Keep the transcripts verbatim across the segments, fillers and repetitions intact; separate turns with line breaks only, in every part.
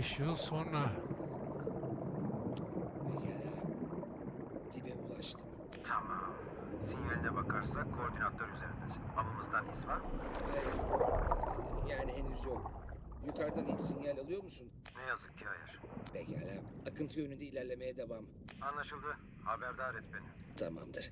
beş yıl sonra.
Pekala. Dibe ulaştım.
Tamam. Sinyaline bakarsak koordinatlar üzerindesin. Avımızdan iz var mı?
Hayır. Yani henüz yok. Yukarıdan hiç sinyal alıyor musun?
Ne yazık ki hayır.
Pekala. Akıntı yönünde ilerlemeye devam.
Anlaşıldı. Haberdar et beni.
Tamamdır.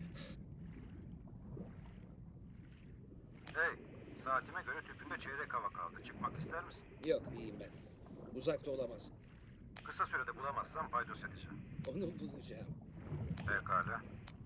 Hey, saatime göre tüpünde çeyrek hava kaldı. Çıkmak ister misin?
Yok, iyiyim ben. Uzakta olamaz.
Kısa sürede bulamazsam paydos edeceğim.
Onu bulacağım.
Pekala.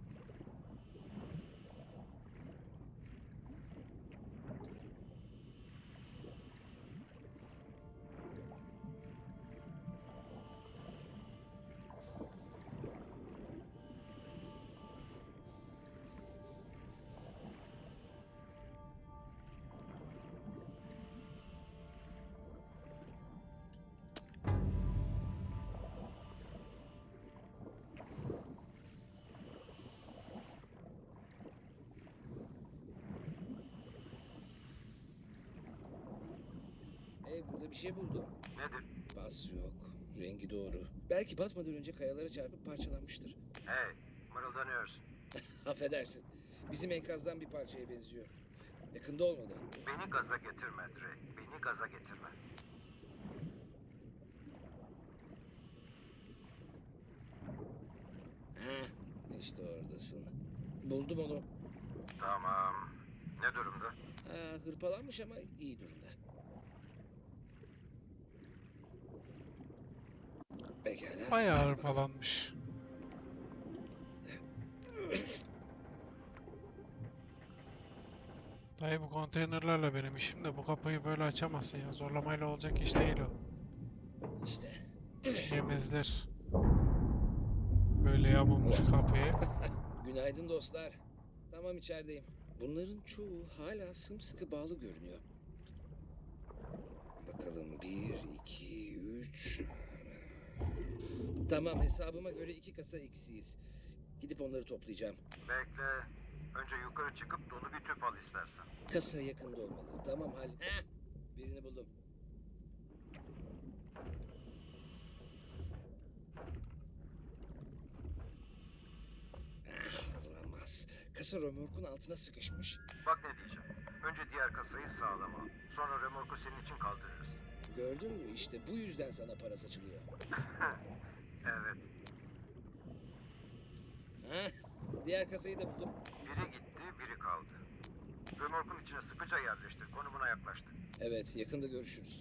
Hey, burada bir şey buldum.
Nedir?
Bas yok. Rengi doğru. Belki batmadan önce kayalara çarpıp parçalanmıştır.
Hey, mırıldanıyorsun.
Affedersin. Bizim enkazdan bir parçaya benziyor. Yakında olmalı.
Beni gaza getirme Drake. Beni gaza getirme.
Heh, işte oradasın. Buldum onu.
Tamam. Ne durumda?
Ha, hırpalanmış ama iyi durumda. Pekala.
Bayağı
hadi bakalım.
hırpalanmış. Dayı bu konteynerlerle benim işim de bu kapıyı böyle açamazsın ya. Zorlamayla olacak iş değil o.
İşte.
Yemezler. Böyle yamulmuş kapıyı.
Günaydın dostlar. Tamam, içerideyim. Bunların çoğu hala sımsıkı bağlı görünüyor. Bakalım bir, iki, üç. Tamam, hesabıma göre iki kasa eksiyiz. Gidip onları toplayacağım.
Bekle. Önce yukarı çıkıp dolu bir tüp al istersen.
Kasa yakında olmalı. Tamam, hal. Heh, birini buldum. Ah, olamaz. Kasa römorkun altına sıkışmış.
Bak ne diyeceğim. Önce diğer kasayı sağlam al. Sonra remorku senin için kaldırırız.
Gördün mü? İşte bu yüzden sana para saçılıyor.
Evet.
Heh, diğer kasayı da buldum.
Biri gitti, biri kaldı. Römorkun içine sıkıca yerleştir. Konumuna yaklaştı.
Evet, yakında görüşürüz.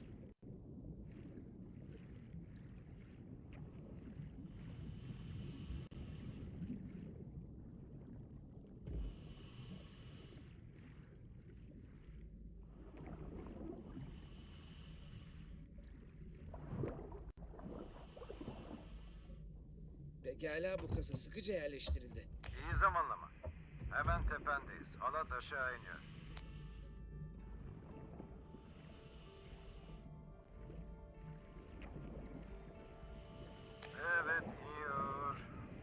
Pekala, bu kasa sıkıca yerleştirildi.
İyi zamanlama. Hemen tependeyiz. Halat aşağı iniyor. Evet, iniyor.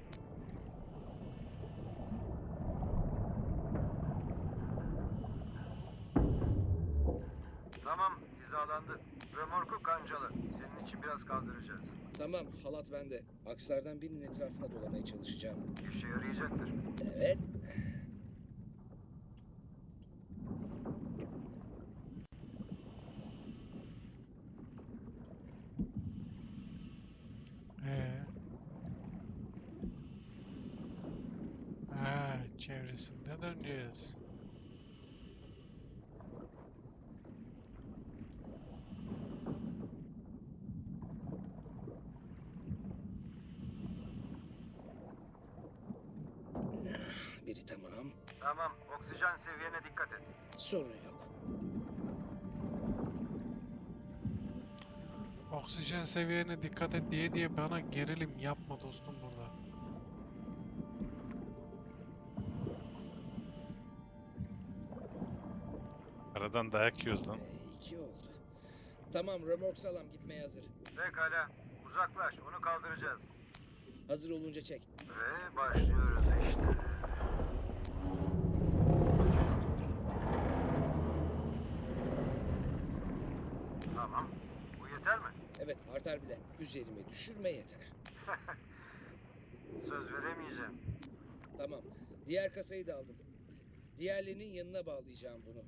Tamam, hizalandı. Römorku kancalı. Senin için biraz kaldıracağız.
Tamam, halat bende. Akslardan birinin etrafına dolamaya çalışacağım.
İşe yarayacaktır.
Evet.
Ee. Ha, çevresinde döneceğiz.
Biri tamam.
Tamam, oksijen seviyene dikkat et.
Sorun yok.
Oksijen seviyene dikkat et diye diye bana gerilim yapma dostum burada.
Aradan dayak yiyoruz lan.
Ee, iki oldu. Tamam, römork sağlam, gitmeye hazır.
Pekala, uzaklaş. Onu kaldıracağız.
Hazır olunca çek.
Ve başlıyoruz işte. Tamam. Bu yeter mi?
Evet, artar bile. Üzerime düşürme yeter.
Söz veremeyeceğim.
Tamam. Diğer kasayı da aldım. Diğerlerinin yanına bağlayacağım bunu.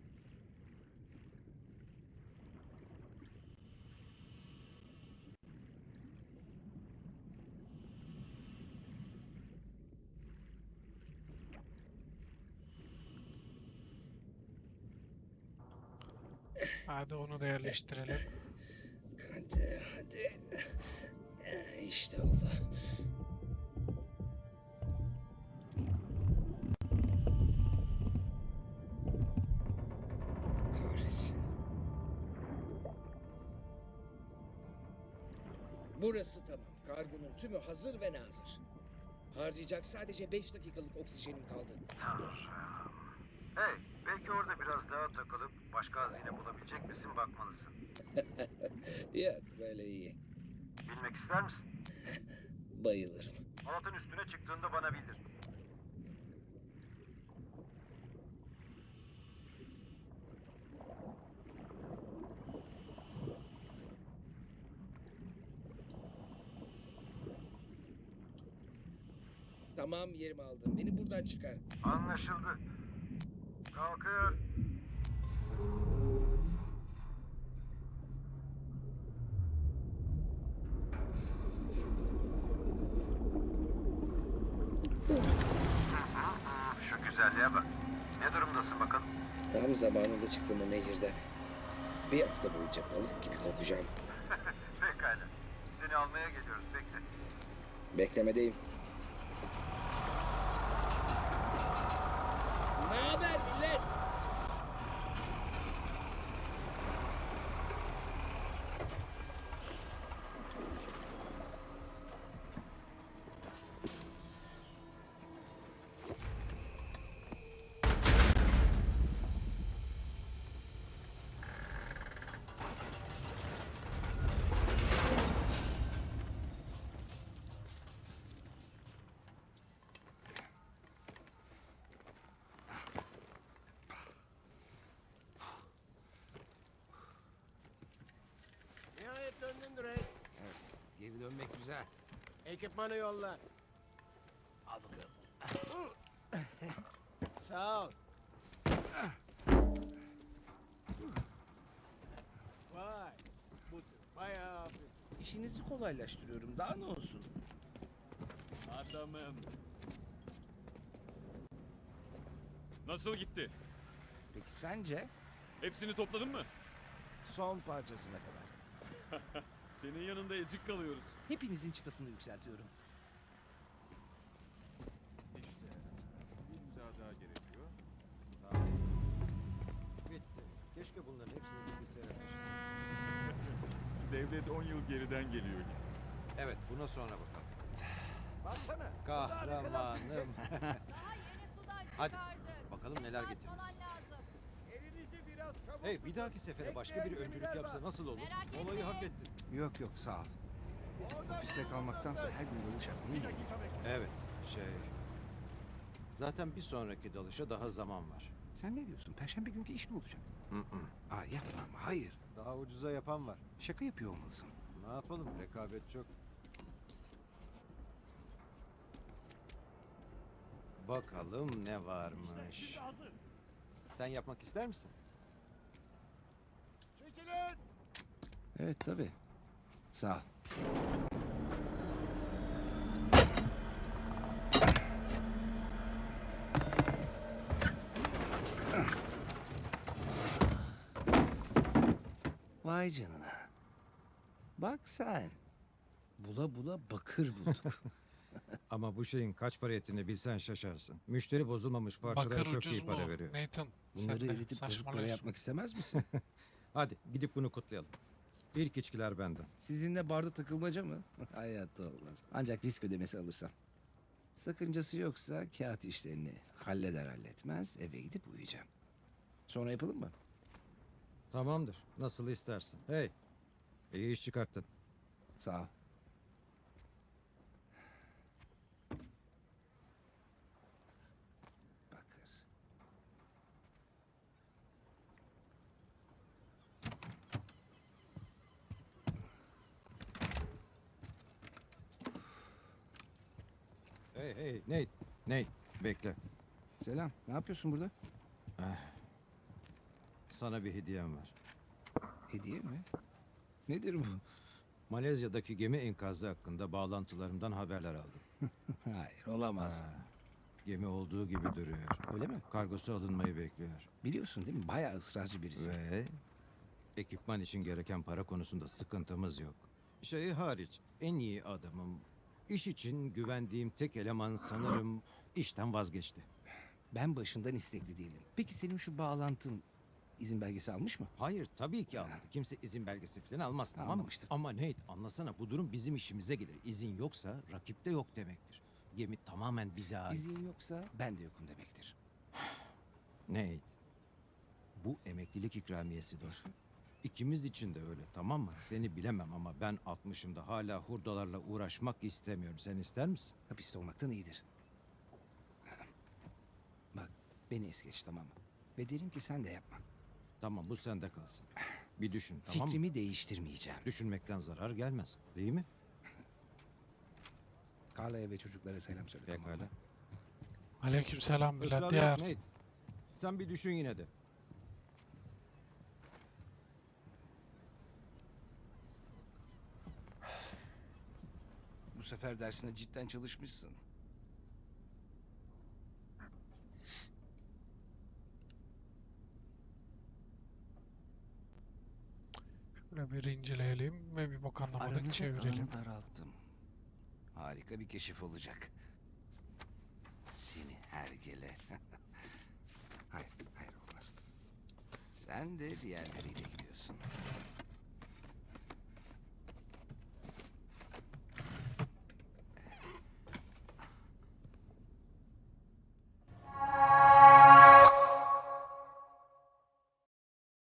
Hadi onu da yerleştirelim.
Hadi, hadi. Eh, İşte oldu. Kahretsin. Burası tamam. Kargonun tümü hazır ve nazır. Harcayacak sadece beş dakikalık oksijenim kaldı.
Tanrım. Hey, belki orada biraz daha takılıp başka hazine bulabilecek misin bakmalısın.
Yok, böyle iyi.
Bilmek ister misin?
Bayılırım.
Halatın üstüne çıktığında bana bildir.
Tamam, yerimi aldım. Beni buradan çıkar.
Anlaşıldı. Kalkıyor. Şu güzelliğe bak. Ne durumdasın bakalım?
Tam zamanında çıktım o nehirden. Bir hafta boyunca balık gibi kokacağım.
Pekala. Seni almaya geliyoruz. Bekle.
Beklemedeyim. Ne haber millet?
Nihayet döndün Drake.
Evet, geri dönmek güzel.
Ekipmanı yolla.
Al bakalım.
Sağ ol. Vay. Bu bayağı hafif.
İşinizi kolaylaştırıyorum. Daha ne olsun?
Adamım.
Nasıl gitti?
Peki sence?
Hepsini topladın mı?
Son parçasına kadar.
Senin yanında ezik kalıyoruz.
Hepinizin çıtasını yükseltiyorum.
İşte bir imza daha gerekiyor.
Bitti. Keşke bunların hepsini bilgisayara taşısın.
Devlet on yıl geriden geliyor.
Evet, buna sonra bakalım.
Baksana.
Kahramanım.
Daha yeni sudan
Hadi,
çıkardık.
bakalım neler
Dikkat
getirmiş.
falan lazım.
Elinizi biraz çabuk
Hey,
tutun.
bir dahaki sefere başka bir
Bekleyen
öncülük
gemiler
yapsa
var.
nasıl olur?
Merak
Olayı
etmeyin.
hak ettin.
Yok yok sağ ol. Ofiste kalmaktansa her gün dalış yapmayı
Bir
yeğlerim.
dakika bekle.
Evet, şey... Zaten bir sonraki dalışa daha zaman var.
Sen ne diyorsun? Perşembe günkü iş ne olacak?
Hı hı.
Aa yapma ama hayır.
Daha ucuza yapan var.
Şaka yapıyor olmalısın.
Ne yapalım? Rekabet çok. Bakalım ne varmış.
Şimdi hazır.
Sen yapmak ister misin?
Çekilin.
Evet tabii. Sağ ol. Vay canına. Bak sen. Bula bula bakır bulduk.
Ama bu şeyin kaç para ettiğini bilsen şaşarsın. Müşteri bozulmamış parçalara
Bakır
çok
ucuz
iyi para
mu?
veriyor.
Nathan,
Bunları
sen de
eritip bozuk para
saçmalıyorsun.
yapmak istemez misin?
Hadi gidip bunu kutlayalım. İlk içkiler benden.
Sizinle barda takılmaca mı? Hayatta olmaz. Ancak risk ödemesi alırsam. Sakıncası yoksa kağıt işlerini halleder halletmez eve gidip uyuyacağım. Sonra yapalım mı?
Tamamdır. Nasıl istersin. Hey. İyi iş çıkarttın.
Sağ ol. Bakır.
Hey hey Nate. Nate bekle.
Selam. Ne yapıyorsun burada?
Sana bir hediyem var.
Hediye mi? Nedir bu?
Malezya'daki gemi enkazı hakkında bağlantılarımdan haberler aldım.
Hayır, olamaz.
Ha, gemi olduğu gibi duruyor.
Öyle mi?
Kargosu alınmayı bekliyor.
Biliyorsun değil mi? Bayağı ısrarcı birisi.
Ve ekipman için gereken para konusunda sıkıntımız yok. Şeyi hariç en iyi adamım. İş için güvendiğim tek eleman sanırım işten vazgeçti.
Ben başından istekli değildim. Peki senin şu bağlantın izin belgesi almış mı?
Hayır tabii ki almadı. Kimse izin belgesi falan almaz tamam mı?
Anlamıştır.
Ama Nate anlasana bu durum bizim işimize gelir. İzin yoksa rakipte yok demektir. Gemi tamamen bize ait.
İzin yoksa ben de yokum demektir.
Nate, bu emeklilik ikramiyesi dostum. İkimiz için de öyle tamam mı? Seni bilemem ama ben altmışımda hala hurdalarla uğraşmak istemiyorum. Sen ister misin?
Hapiste olmaktan iyidir. Bak, beni es geç tamam mı? Ve derim ki sen de yapma.
Tamam bu sende kalsın. Bir düşün tamam mı?
Fikrimi değiştirmeyeceğim.
Düşünmekten zarar gelmez değil mi?
Carla'ya ve çocuklara selam söyle tamam mı?
Pekala.
Aleykümselam
Israr yok
birader.
Nate. Sen bir düşün yine de.
Bu sefer dersine cidden çalışmışsın.
Şöyle bir inceleyelim ve bir bok anlamadık
Aranacak
çevirelim.
alanı daralttım. Harika bir keşif olacak. Seni hergele. hayır, hayır olmaz. Sen de diğerleriyle gidiyorsun.